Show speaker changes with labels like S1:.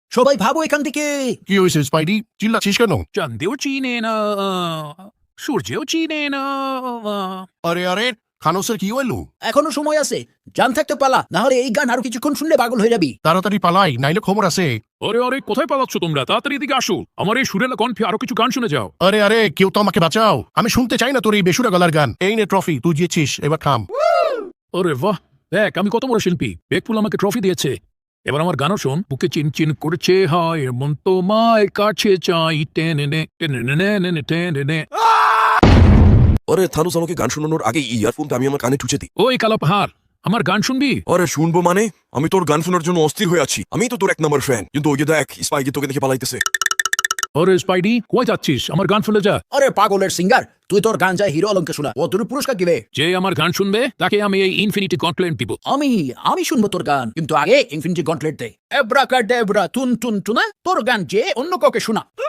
S1: সবাই ভাবো এখান থেকে।
S2: কি হয়েছে স্পাইডি, চিল্লাচ্ছিস কেন?
S3: চাঁদেও চিনে না, সূর্যেও চিনে না।
S2: আরে আরে খানোসের কি হইলো?
S1: এখনো সময় আছে, জান থাকতে পালা, না হলে এই গান আরো কিছুক্ষণ শুনলে পাগল হয়ে যাবি।
S2: তাড়াতাড়ি পালাই, নাইলে খবর আছে।
S3: আরে আরে কোথায় পালাচ্ছ তোমরা? তাড়াতাড়ি এদিকে আসো, আমার এই সুরেলা কণ্ঠে আরো কিছু গান শুনে যাও।
S2: আরে আরে কেউ তো আমাকে বাঁচাও, আমি শুনতে চাই না তোর এই বেসুরা গলার গান। এই নে ট্রফি, তুই জিতেছিস, এবার থাম।
S3: আরে বাহ, দেখ আমি কত বড় শিল্পী, বেকফুল আমাকে ট্রফি দিয়েছে। এবার আমার গানও শোন। বুকে চিন চিন করছে হয় মন তোমায় কাছে চাই, টেনে নে টেনে নে নে নে টেনে নে।
S4: আরে থানুস, আমাকে গান শোনানোর আগে ইয়ারফোনটা আমি আমার কানে ঠুচে দিই।
S3: ওই কালো পাহাড়, আমার গান শুনবি?
S4: আরে শুনবো মানে? আমি তোর গান শোনার জন্য অস্থির হয়ে আছি। আমি তো তোর 1 নম্বর ফ্যান, কিন্তু ওই যে দেখ স্পাইকি তোকে দেখে পালাইতেছে।
S3: আরে স্পাইডি কোথায় যাচ্ছিস? আমার গান শুনে যা।
S1: আরে পাগলের সিঙ্গার, তুই তোর গান যায় হিরো আলমকে শোনা, ও তোর পুরস্কার দিবে।
S3: যে আমার গান শুনবে তাকে আমি এই ইনফিনিটি কমপ্লেন্ট দিব।
S1: আমি শুনবো তোর গান, কিন্তু আগে ইনফিনিটি গন্টলেট দে। এবরা কাডেবরা তুন তুন টুনা, তোর গান যে অন্য কাউকে শোনা।